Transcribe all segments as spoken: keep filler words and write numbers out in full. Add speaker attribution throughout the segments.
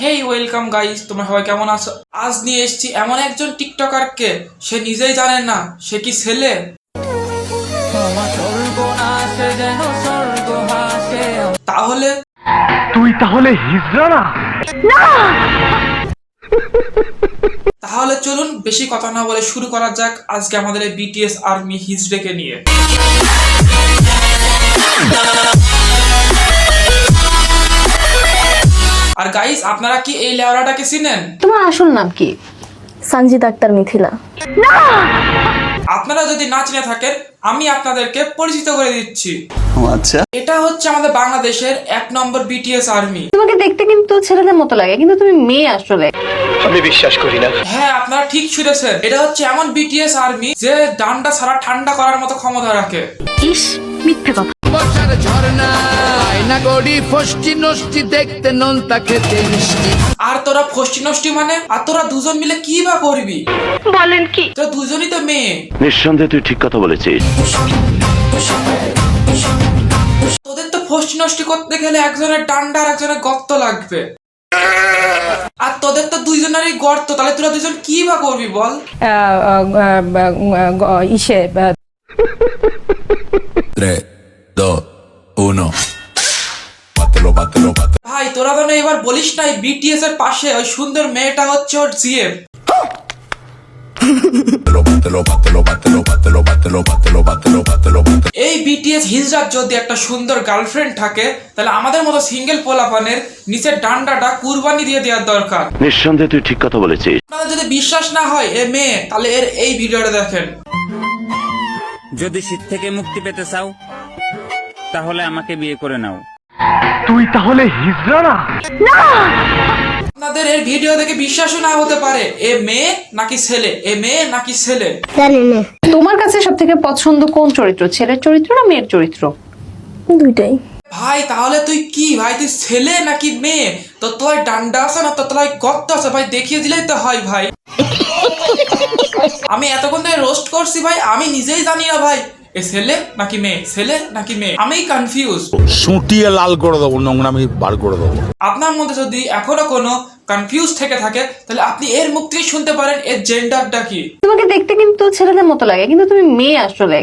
Speaker 1: হেই welcome guys, তোমরা সবাই কেমন আছো? আজ নিয়ে এসেছি এমন একজন টিকটকারকে, সে নিজেই জানে না সে কি ছেলে। তাহলে
Speaker 2: তুই তাহলে হিজড়া না?
Speaker 1: তাহলে চলুন বেশি কথা না বলে শুরু করা যাক আজকে আমাদের এই বিটিএস আর্মি হিজড়েকে নিয়ে। আর গাইস, আপনারা কি এই লেওড়াটাকে চিনেন?
Speaker 3: তোমার আসল নাম কি? সঞ্জিত আক্তার মিথিলা।
Speaker 1: আপনারা যদি না চিনে থাকেন আমি আপনাদেরকে পরিচিত করে দিচ্ছি।
Speaker 4: আচ্ছা,
Speaker 1: এটা হচ্ছে আমাদের বাংলাদেশের এক নম্বর বিটিএস আর্মি।
Speaker 3: তোমাকে দেখতে কিন্তু ছেলেদের মতো লাগে, কিন্তু তুমি মেয়ে আসলে।
Speaker 2: আমি বিশ্বাস করি না।
Speaker 1: হ্যাঁ, আপনারা ঠিক শুনেছেন, এটা হচ্ছে এমন বিটিএস আর্মি যে ডান্ডা ছাড়া ঠান্ডা করার মতো ক্ষমতা রাখে।
Speaker 3: ইস, মিথ্যে কথা।
Speaker 1: আর তোরা ফষ্টি নষ্টি মানে? আর তোরা দুজন মিলে কি বা করবি?
Speaker 3: বলেন কি?
Speaker 1: তোরা দুজনই তো মেয়ে।
Speaker 2: নিঃসন্দেহে তুই ঠিক কথা বলেছিস।
Speaker 1: তোদের তো ফষ্টি নষ্টি করতে গেলে একজনের ডান্ডা আর একজনের গর্ত লাগবে। আর তোদের তো দুইজনেরই গর্ত, তাহলে তোরা দুজন কি বা করবি বল?
Speaker 3: ইসে
Speaker 4: tres, dos, uno.
Speaker 1: ভাই তোরা তো না এবার বলিস নাই বিটিএস এর পাশে ওই সুন্দর মেয়েটা হচ্ছে ওর জিএফ। এই বিটিএস হিজড়ার যদি একটা সুন্দর গার্লফ্রেন্ড থাকে তাহলে আমাদের মতো সিঙ্গেল পোলাপানের নিচের ডান্ডাটা কুরবানি দিয়ে দেওয়ার দরকার।
Speaker 2: নিঃসন্দেহে তুই ঠিক কথা বলেছিস।
Speaker 1: আপনাদের যদি বিশ্বাস না হয় এ মেয়ে, তাহলে এর এই ভিডিওটা দেখেন।
Speaker 5: যদি শীত থেকে মুক্তি পেতে চাও তাহলে আমাকে বিয়ে করে নাও।
Speaker 2: তুই তাহলে হিজড়া না?
Speaker 1: আপনাদের এর ভিডিও দেখে বিশ্বাসও না হতে পারে এ মেয়ে নাকি ছেলে, এ মেয়ে নাকি ছেলে।
Speaker 3: তোমার কাছে সব থেকে পছন্দ কোন চরিত্র, ছেলের চরিত্র না মেয়ের চরিত্র? দুইটাই।
Speaker 1: ভাই তাহলে তুই কি ভাই, তুই ছেলে নাকি মেয়ে? তোর তলায় ডান্ডা আছে না তোর তলায় গর্ত আছে ভাই, দেখিয়ে দিলেই তো হয় ভাই। আমি এতক্ষণ ধরে রোস্ট করছি ভাই, আমি নিজেই জানি না ভাই এ ছেলে নাকি মেয়ে, ছেলে নাকি মেয়ে, আমি কনফিউজ।
Speaker 6: সুটিয়ে লাল করে দেবো, নোংরামি বার করে দেবো।
Speaker 1: আপনার মধ্যে যদি এখনো কোনো কনফিউজ থেকে থাকে তাহলে আপনি এর মুখ থেকে শুনতে পারেন এর জেন্ডারটা কি।
Speaker 3: তোমাকে দেখতে কিন্তু ছেলেদের মতো লাগে, কিন্তু তুমি মেয়ে আসলে।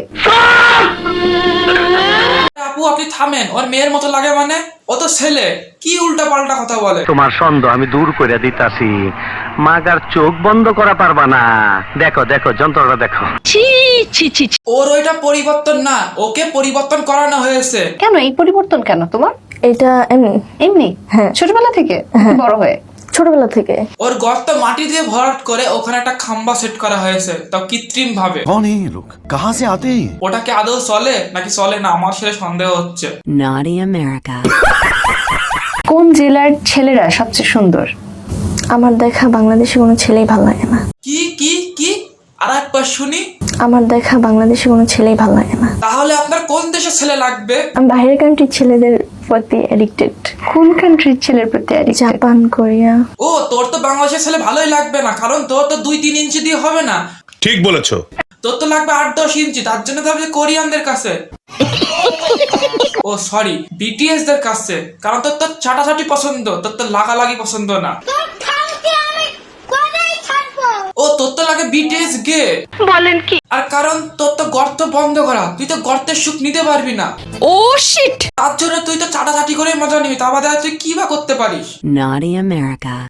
Speaker 1: আপু আপনি থামেন, ওর মেয়ের মতো লাগে মানে? ও তো ছেলে, কি উল্টা পাল্টা কথা বলে।
Speaker 2: তোমার সন্দেহ আমি দূর করে দিতাছি। মাগার চোখ বন্ধ করা পারবা না। দেখো দেখো যন্ত্রটা দেখো।
Speaker 3: ছি ছি ছি।
Speaker 1: ওর ওইটা পরিবর্তন না, ওকে পরিবর্তন করানো হয়েছে।
Speaker 3: কেন এই পরিবর্তন কেন তোমার?
Speaker 7: এটা এমনি
Speaker 3: এমনি?
Speaker 7: হ্যাঁ।
Speaker 3: ছোটবেলা থেকে বড় হয়ে?
Speaker 7: ছোটবেলা থেকে।
Speaker 1: ওর গর্ত মাটি দিয়ে ভরাট করে ওখানে একটা খাম্বা সেট করা হয়েছে, তাও কৃত্রিম ভাবে।
Speaker 4: कौन है ये लोग? कहाँ से आते हैं?
Speaker 1: ওটাকে আদৌ চলে নাকি চলে না আমার সেটা সন্দেহ হচ্ছে।
Speaker 8: Naughty America.
Speaker 3: কোন জেলার ছেলেরা সবচেয়ে সুন্দর?
Speaker 7: আমার দেখা বাংলাদেশে কোনো ছেলেই ভালো লাগে না।
Speaker 1: কি কি কি আর একবার শুনি।
Speaker 7: আমার দেখা বাংলাদেশে কোনো ছেলেই ভালো লাগে না।
Speaker 1: তাহলে আপনার কোন দেশের ছেলে লাগবে?
Speaker 7: আমি বাইরের কান্ট্রির ছেলেদের প্রতি অ্যাডিক্টেড।
Speaker 3: কোন কান্ট্রির ছেলের প্রতি অ্যাডিক্টেড?
Speaker 7: Japan, Korea.
Speaker 1: ও তোর তো বাংলাদেশের ছেলে ভালোই লাগবে না, কারণ তোর তো দুই তিন ইঞ্চি দিয়ে হবে না।
Speaker 6: ঠিক বলেছো।
Speaker 1: তোর তো লাগবে আট দশ ইঞ্চি, তার জন্য তো কোরিয়ানদের কাছে, ও সরি বিটিএস দের কাছে, কারণ তোর তো চাটাচাটি পছন্দ, তোর তো লাগালাগি পছন্দ না। ও তোর তো লাগে বিটিএস গে।
Speaker 3: বলেন কি?
Speaker 1: আর কারণ তোর তো গর্ত বন্ধ করা, তুই তো গর্তের সুখ নিতে পারবি না।
Speaker 3: ও শিট।
Speaker 1: তার জন্য তুই তো চাটাচাটি করে মজা নিবি, তা বাদে তুই কি বা করতে পারিস?
Speaker 8: Naughty America.